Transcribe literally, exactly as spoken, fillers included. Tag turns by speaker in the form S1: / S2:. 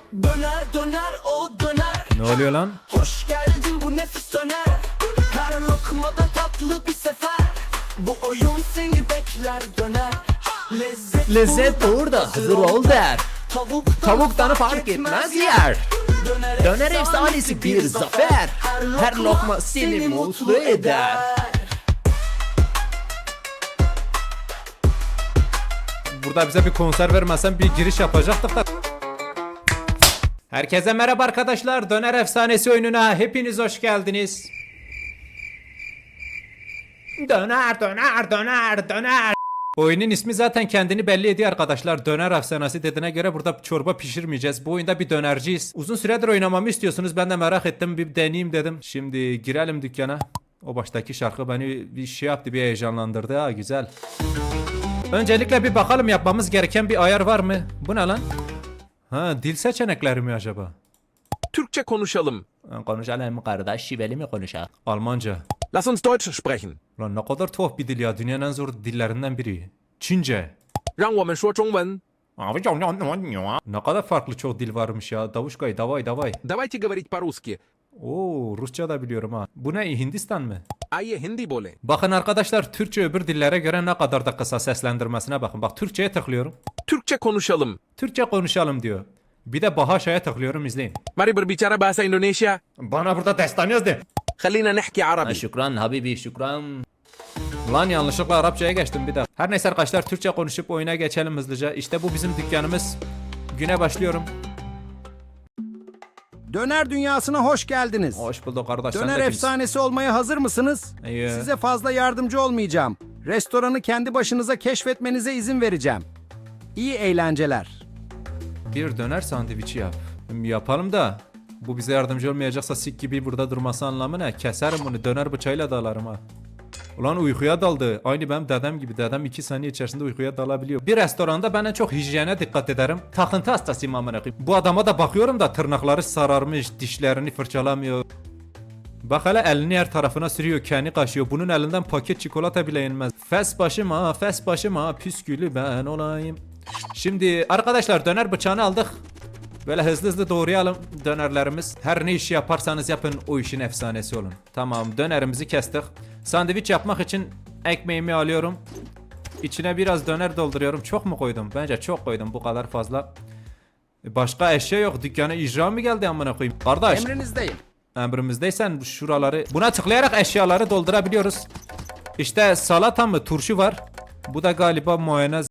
S1: Döner döner o döner.
S2: Ne oluyor lan?
S1: Hoş geldin bu nefis döner. Her lokmada tatlı bir sefer. Bu oyun seni bekler döner. Lezzet,
S2: Lezzet burada hazır ol der.
S1: Tavuktan,
S2: Tavuktanı fark etmez yer.
S1: Döner,
S2: Döner efsanesi bir zafer. Her lokma seni mutlu eder. Burada bize bir konser vermezsen bir giriş yapacaktık da. Herkese merhaba arkadaşlar. Döner efsanesi oyununa hepiniz hoş geldiniz. Döner döner döner döner. Oyunun ismi zaten kendini belli ediyor arkadaşlar. Döner efsanesi dediğine göre burada çorba pişirmeyeceğiz. Bu oyunda bir dönerciyiz. Uzun süredir oynamamı istiyorsunuz. Ben de merak ettim, bir deneyeyim dedim. Şimdi girelim dükkana. O baştaki şarkı beni bir şey yaptı, bir heyecanlandırdı. Ha güzel. Öncelikle bir bakalım yapmamız gereken bir ayar var mı? Bu ne lan? Ha, dil seçenekleri mi acaba?
S3: Türkçe konuşalım.
S2: Konuşalım mı kardeş? Şiveli mi konuşalım? Almanca.
S3: Lass uns Deutsch sprechen.
S2: Lan ne kadar tuhaf bir dil ya. Dünyanın en zor dillerinden biri. Çince.
S3: 让我们说中文。
S2: Ne kadar farklı çok dil varmış ya. Davuşkay, davay davay.
S3: Давайте говорить по-русски.
S2: Oo, Rusça da biliyorum ha. Bu ne, Hindistan mı?
S3: Aye hindi बोले.
S2: Bakın arkadaşlar, Türkçe öbür dillere göre ne kadar da kısa, seslendirmesine bakın. Bak, Türkçe'ye tıklıyorum.
S3: Türkçe konuşalım.
S2: Türkçe konuşalım diyor. Bir de Bahaşa'ya tıklıyorum, izleyin.
S3: Mari berbicara bahasa Indonesia.
S2: Bana burada destan yazdı.
S3: خلينا نحكي عربي.
S2: Şükran habibi, şükran. Lan yanlışlıkla Arapçaya geçtim bir daha. Her neyse arkadaşlar, Türkçe konuşup oyuna geçelim hızlıca. İşte bu bizim dükkanımız. Güne başlıyorum.
S4: Döner dünyasına hoş geldiniz.
S2: Hoş bulduk kardeş. sen
S4: Döner
S2: de kimsin?
S4: efsanesi olmaya hazır mısınız?
S2: İyi.
S4: Size fazla yardımcı olmayacağım. Restoranı kendi başınıza keşfetmenize izin vereceğim. İyi eğlenceler.
S2: Bir döner sandviçi yap. Yapalım da bu bize yardımcı olmayacaksa sik gibi burada durması anlamı ne? Keserim bunu, döner bıçağıyla dalarım ha. Ulan uykuya daldı. Aynı benim dedem gibi. Dedem iki saniye içerisinde uykuya dalabiliyor. Bir restoranda ben en çok hijyene dikkat ederim. Takıntı hastasıyım amına koyayım. Bu adama da bakıyorum da tırnakları sararmış, dişlerini fırçalamıyor. Bak hele, elini her tarafına sürüyor, kendi kaşıyor. Bunun elinden paket çikolata bile yenmez. Fes başım ha, fes başım ha, püskülü ben olayım. Şimdi arkadaşlar, döner bıçağını aldık. Böyle hızlı hızlı doğrayalım dönerlerimiz. Her ne işi yaparsanız yapın, o işin efsanesi olun. Tamam, dönerimizi kestik. Sandviç yapmak için ekmeğimi alıyorum. İçine biraz döner dolduruyorum. Çok mu koydum? Bence çok koydum, bu kadar fazla. Başka eşya yok. Dükkana icra mı geldi amına koyayım? Kardeş.
S4: Emrinizdeyim.
S2: Emrimizdeysen şuraları, buna tıklayarak eşyaları doldurabiliyoruz. İşte salata mı, turşu var. Bu da galiba mayonez.